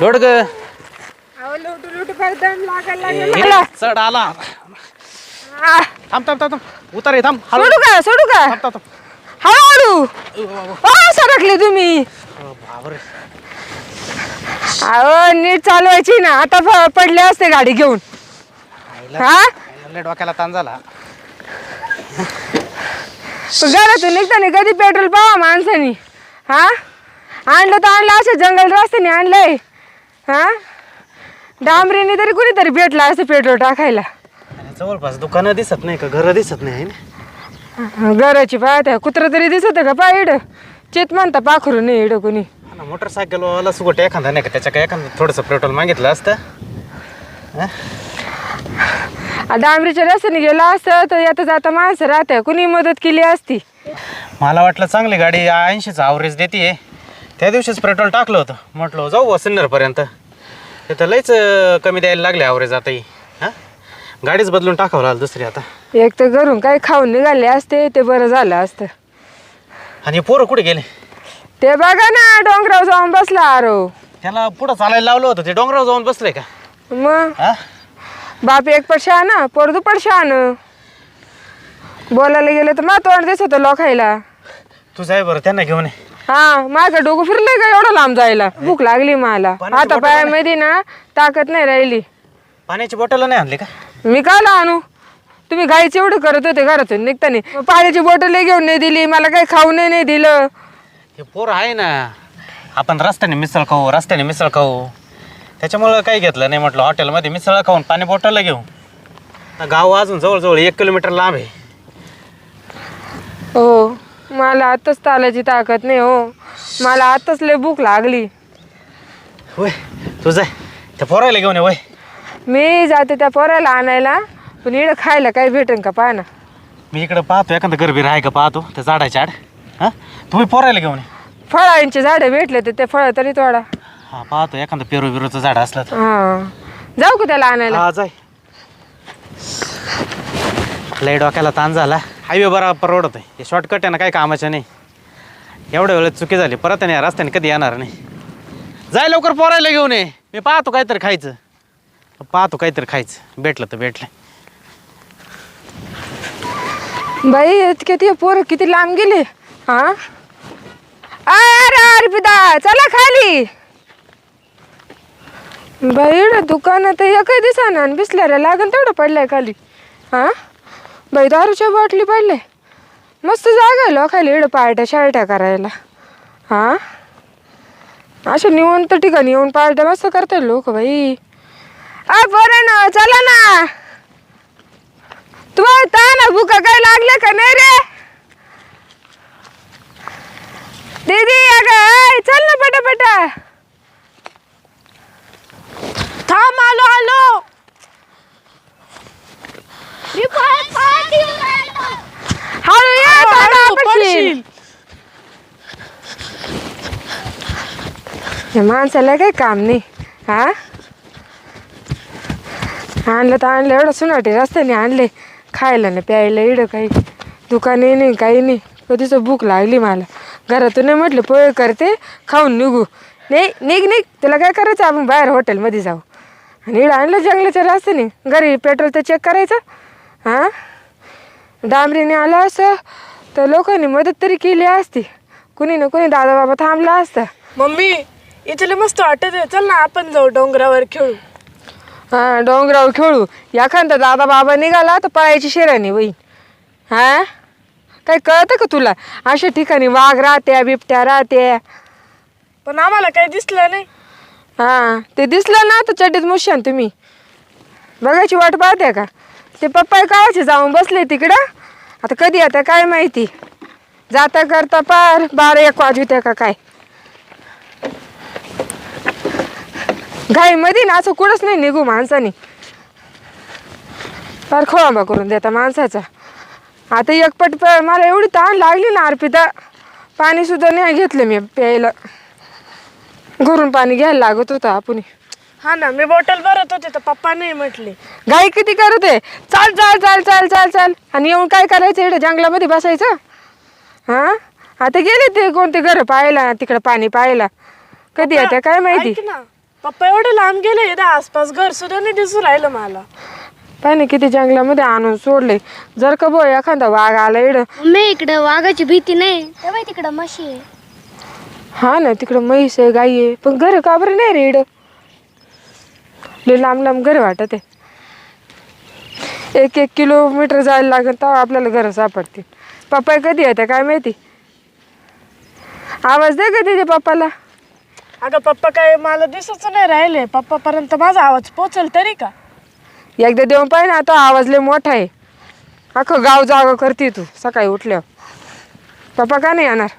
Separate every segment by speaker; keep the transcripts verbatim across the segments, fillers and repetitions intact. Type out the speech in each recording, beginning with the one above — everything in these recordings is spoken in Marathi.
Speaker 1: लोड ग
Speaker 2: अहो लुटू लुटू करदम लागायला लागला.
Speaker 1: चढ आला
Speaker 2: आ,
Speaker 1: थांब थांब थांब थांब उतर ये, थांब हळू
Speaker 2: सोडू का सोडू का
Speaker 1: थांब थांब थांब.
Speaker 2: हळूहळू
Speaker 1: अ, वा, वा.
Speaker 2: ओ सरकले तुम्ही.
Speaker 1: अ, बापरे.
Speaker 2: अहो नीट चालवायची ना, आता प- पडले असते गाडी घेऊन.
Speaker 1: आईला-
Speaker 2: हा
Speaker 1: आईला लय डोक्याला ताण झाला.
Speaker 2: घरातून निघताना कधी पेट्रोल पावा माणसानी. हा आणलं तर आणलं असं जंगल रस्त्याने आणलंय. हा डांबरीने तरी कुणीतरी भेटला असं पेट्रोल टाकायला.
Speaker 1: आणि जवळपास दुकानं दिसत नाही का, घर दिसत नाही है ना?
Speaker 2: घराची पाहत्या कुत्र तरी दिसत का पा इड चित म्हणता पाखरू नाही इड कोणी.
Speaker 1: हा ना, मोटरसायकलवाला सुगट एखादा नाही का, त्याच्या काय एखादं थोडंसं पेट्रोल मागितलं असतं. हा?
Speaker 2: आ, डांबरीच्या रस्त्याने गेला असतं तर येता जाता माणसं राहत्या, कुणी मदत केली असती.
Speaker 1: मला वाटलं चांगली गाडी ऐंशीचं ॲव्हरेज देते. त्या दिवशीच पेट्रोल टाकलं होतं, म्हटलं जाऊ सिन्नरपर्यंत. ते तर लईच अं, कमी द्यायला लागले ॲव्हरेज आताही. हां गाडीच बदलून टाकावं लागलं दुसरी आता.
Speaker 2: एक तर घरून काही खाऊन निघाले असते ते बरं झालं असतं.
Speaker 1: आणि हे पोरं कुठे गेले?
Speaker 2: ते बघा ना डोंगरावर जाऊन बसला आरो.
Speaker 1: त्याला पुढं चालायला लावलं होतं, ते डोंगरावर जाऊन बसले का?
Speaker 2: मग
Speaker 1: हा
Speaker 2: बाप एक पडशा ना पोर दुपट शान. बोलायला गेलं तर मा तोंड दिसत लोकायला.
Speaker 1: तू जाय बरं त्यांना घेऊन ये.
Speaker 2: हा माझं डोकं फिरलंय का एवढं लांब जायला. भूक लागली मला
Speaker 1: पाण्याची
Speaker 2: आता
Speaker 1: बॉटल
Speaker 2: पायामध्ये ना ताकद नाही राहिली.
Speaker 1: पाण्याची बॉटल नाही आणली का?
Speaker 2: मी काला आणू, तुम्ही गाईच एवढं करत होते घरातून निघताना. मग पाण्याची बॉटल घेऊन नाही दिली, मला काही खाऊ नाही नाही दिलं.
Speaker 1: हे पोरं आहे ना, आपण रस्त्याने मिसळ खाऊ रस्त्याने मिसळ खाऊ त्याच्यामुळं काही घेतलं नाही. म्हटलं हॉटेलमध्ये मिसळ खाऊन पाणी बॉटलला घेऊ. गाव अजून जवळजवळ एक किलोमीटर लांब आहे.
Speaker 2: हो मला आताच तालाची ताकद नाही हो, मला आताच लय भूक लागली.
Speaker 1: होय तू जाय त्या पोरायला घेऊन ये. वय
Speaker 2: मी जाते त्या पोराला आणायला, पण इकडं खायला काही भेटेन का पाहा ना.
Speaker 1: मी इकडं पाहतो एखादं गरबीर आहे का पाहतो त्या झाडाच्या आड. हां तुम्ही पोरायला घेऊन ये.
Speaker 2: फळांची झाडं भेटले तर ते फळं तरी तोडा.
Speaker 1: हां पाहतो एखादं पेरू बिरूचं झाड असलं तर.
Speaker 2: हा जाऊ का त्याला आणायला?
Speaker 1: हा जाय. लय डोक्याला ताण झाला. हायवे बरा परवडत आहे, हे शॉर्टकट आहे ना, काही कामाचं नाही. एवढ्या वेळेत चुकी झाली, परत आणि या रस्त्याने कधी येणार नाही. जाय लवकर पोरायला घेऊन ये. मी पाहतो काहीतरी खायचं पाहतो काहीतरी खायचं भेटलं तर भेटलं.
Speaker 2: बाई इतके ते पोरं किती लांब गेले. हा अरे अर्पिता चला खाली. बाई दुकानात एकही दिसाना आणि बिसल्याला लागन तेवढं पडलंय खाली. हा बाई दारूच्या बाटली पडले. मस्त जागा आहे लोकायला इकडं पार्ट्या शार्ट्या करायला. हा अशा निवंत ठिकाणी येऊन पार्ट्या मस्त करतात लोक. बाई अ बरं ना चला ना, तुम्हाला ताना भुका काय लागले का नाही रे दीदी? अगं चल ना पटापटा.
Speaker 3: थांब आलो आलो. मी परत परत येऊन राहिलो.
Speaker 2: हळू ये
Speaker 3: हळू,
Speaker 2: ताना
Speaker 3: हळू,
Speaker 2: पडशील.
Speaker 3: पडशील.
Speaker 2: या माणसाला काही काम नाही. हा आणलं तर आणलं एवढं सुनाटे रस्त्याने आणले. खायला ना प्यायला इडं काही दुकाने नाही काही नाही. कधीच भूक लागली मला. घरातून नाही म्हटलं पोहे करते खाऊन निघू. नाही निघ निघ तुला काय करायचं, आपण बाहेर हॉटेलमध्ये जाऊ. आणि इडं आणलं जंगलाच्या रस्त्याने. घरी पेट्रोल तर चेक करायचं. हां डांबरीने आलं असं तर लोकांनी मदत तरी केली असती. कुणी ना कुणी दादा बाबा थांबला असता.
Speaker 3: मम्मी इथले मस्त वाटत आहे, चल ना आपण जाऊ डोंगरावर खेळू.
Speaker 2: हा डोंगरावर खेळू. एखादा दादा बाबा निघाला तर पळायची शेरानी बाई. हा काही कळतं का तुला? अशा ठिकाणी वाघ राहत्या बिबट्या राहत्या.
Speaker 3: पण आम्हाला काही दिसलं नाही.
Speaker 2: हा ते दिसलं ना तर चड्डीत मुशान तुम्ही बघायची वाट पाहत्या का? ते पप्पा कावाचे जाऊन बसले तिकडं. आता कधी आता काय माहिती, जाता करता पार बारा एक वाजू त्या का काय. घाईमध्ये ना असं कुठंच नाही निघू माणसाने. फार खोळंबा करून देता माणसाचा. आता एक पट प मला एवढी ताण लागली ना अर्पिता, पाणी सुद्धा नाही घेतलं मी प्यायला. घरून पाणी घ्यायला लागत होतं आपण.
Speaker 3: हा ना मी बॉटल भरत होते तर पप्पा नाही म्हटले.
Speaker 2: गाई किती करत आहे, चाल चाल चाल चाल चाल चाल. आणि येऊन काय करायचं इकडे जंगलामध्ये बसायचं. हां आता गेले ते कोणते घर पाहायला तिकडं पाणी पाहायला. कधी येते काय माहिती.
Speaker 3: ऐक ना पप्पा एवढे लांब गेले इथं आसपास घर सुद्धा नाही दिसून राहिलं मला.
Speaker 2: पाय ना किती जंगलामध्ये आणून सोडले. जर का बो एखादा वाघ आला इड.
Speaker 4: मम्मी इकडं वाघाची भीती नाही तेव्हा तिकडं म्हशी आहे.
Speaker 2: हा ना तिकडं म्हैस आहे गाई आहे पण घर का बरं नाही रे इड. लय लांब लांब घर वाटत आहे. एक एक किलोमीटर जायला लागेल तेव्हा आपल्याला घर सापडतील. पप्पा कधी येते काय माहिती. आवाज दे का तिथे पप्पाला.
Speaker 3: अगं पप्पा काय मला दिसच नाही राहिले. पप्पा पर्यंत माझा आवाज पोचल तरी का.
Speaker 2: एकदा देऊन पाहिजे ना तो आवाज लय मोठा आहे. अख्खं गाव जागा करते तू सकाळी उठल्यावर. पप्पा का नाही येणार.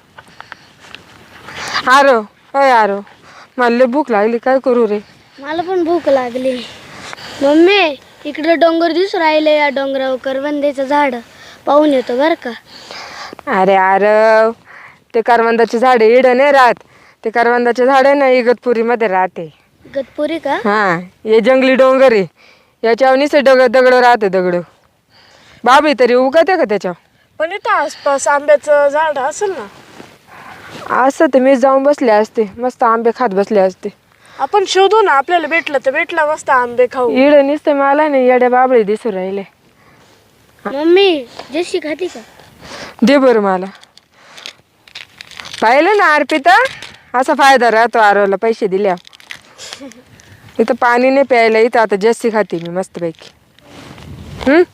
Speaker 2: आरो अय आरो मला लय भूक लागली काय करू रे.
Speaker 4: मला पण भूक लागली. मम्मी इकडं डोंगर दिसू राहिले या डोंगरावर करवंदीचं झाड पाहून येतो बरं का.
Speaker 2: अरे आरव ते करवंदाचे झाडे इड नाही राहत. ते करवंदाचे झाड आहे ना इगतपुरीमध्ये राहते.
Speaker 4: गतपुरी का.
Speaker 2: हां हे जंगली डोंगर आहे. याच्यावर निसे दगड दगड राहते दगड. बाबी तरी उगते का त्याच्यावर.
Speaker 3: पण इथं आसपास आंब्याचं झाड असेल ना.
Speaker 2: असं तर मी जाऊन बसले असते मस्त आंबे खात बसले असते.
Speaker 3: आपण शोधू ना आपल्याला भेटलं तर भेटला मस्त आंबे खाऊ.
Speaker 2: इड निसते मला नाही येड्या बाबळे दिसू राहिले.
Speaker 4: मम्मी जशी खाती का.
Speaker 2: दे बरं मला. पाहिलं ना अर्पिता असा फायदा राहतो आरवला पैसे दिल्या. इथं पाणी नाही प्यायला इथं आता जस्सी खाते मी मस्तपैकी. हम्म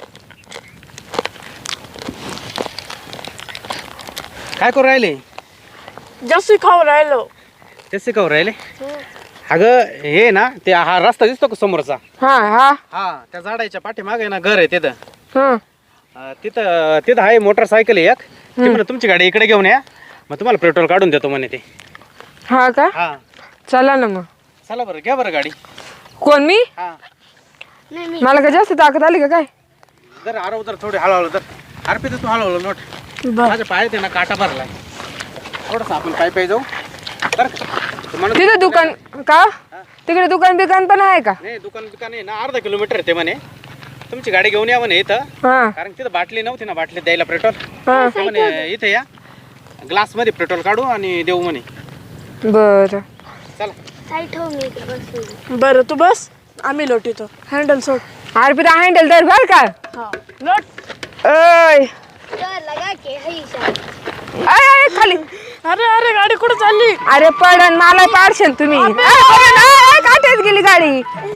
Speaker 1: काय करू राहिले.
Speaker 3: जास्त खाऊ राहिलो.
Speaker 1: तेच खाऊ राहिले. अगं हे ना ते हा रस्ता दिसतो का समोरचा.
Speaker 2: हा हा
Speaker 1: हा त्या झाडाच्या पाठीमागे ना घर आहे तिथं.
Speaker 2: हा
Speaker 1: अं, तिथं तिथं आहे मोटरसायकल आहे एक. ती म्हणे तुमची गाडी इकडे घेऊन या मग तुम्हाला पेट्रोल काढून देतो म्हणे ते.
Speaker 2: हा का
Speaker 1: हा
Speaker 2: चला ना मग.
Speaker 1: चला बरं घ्या बरं गाडी.
Speaker 2: कोण मी.
Speaker 1: हा
Speaker 4: नाही मी
Speaker 2: मला का जास्त ताकद आली का काय.
Speaker 1: जर आरव जर थोडी हळूहळू तर अर्पित तू हळूहळू नोट. माझ्या पायात आहे ना काटा भरलाय. थोडंसं आपण पाय पाय जाऊ बरं का? तर म्हणत
Speaker 2: तिथं दुकान का तिकडे दुकान बिकान पण आहे का.
Speaker 1: नाही दुकान बिकान आहे ना अर्धा किलोमीटर आहे ते म्हणे. तुमची गाडी घेऊन या म्हणे इथं.
Speaker 2: हा
Speaker 1: कारण तिथं बाटली नव्हती ना बाटली द्यायला पेट्रोल.
Speaker 2: हा
Speaker 1: ते म्हणे इथं या ग्लासमध्ये पेट्रोल काढू आणि देऊ म्हणे.
Speaker 2: बरं
Speaker 1: चला
Speaker 4: साईट हो मी इकडे बसली.
Speaker 3: बरं तू बस आम्ही लोटीतो. हँडल सोड.
Speaker 2: अर्पिता हँडल धर बर का.
Speaker 3: हा लोट.
Speaker 2: ओय
Speaker 4: तर लगा के हई सा.
Speaker 2: अय, अय, खाली.
Speaker 3: अरे अरे गाडी कुठं चालली.
Speaker 2: अरे पडन मला पाडशन तुम्ही. अय, पडन, अय, अय, काटेच गेली गाडी.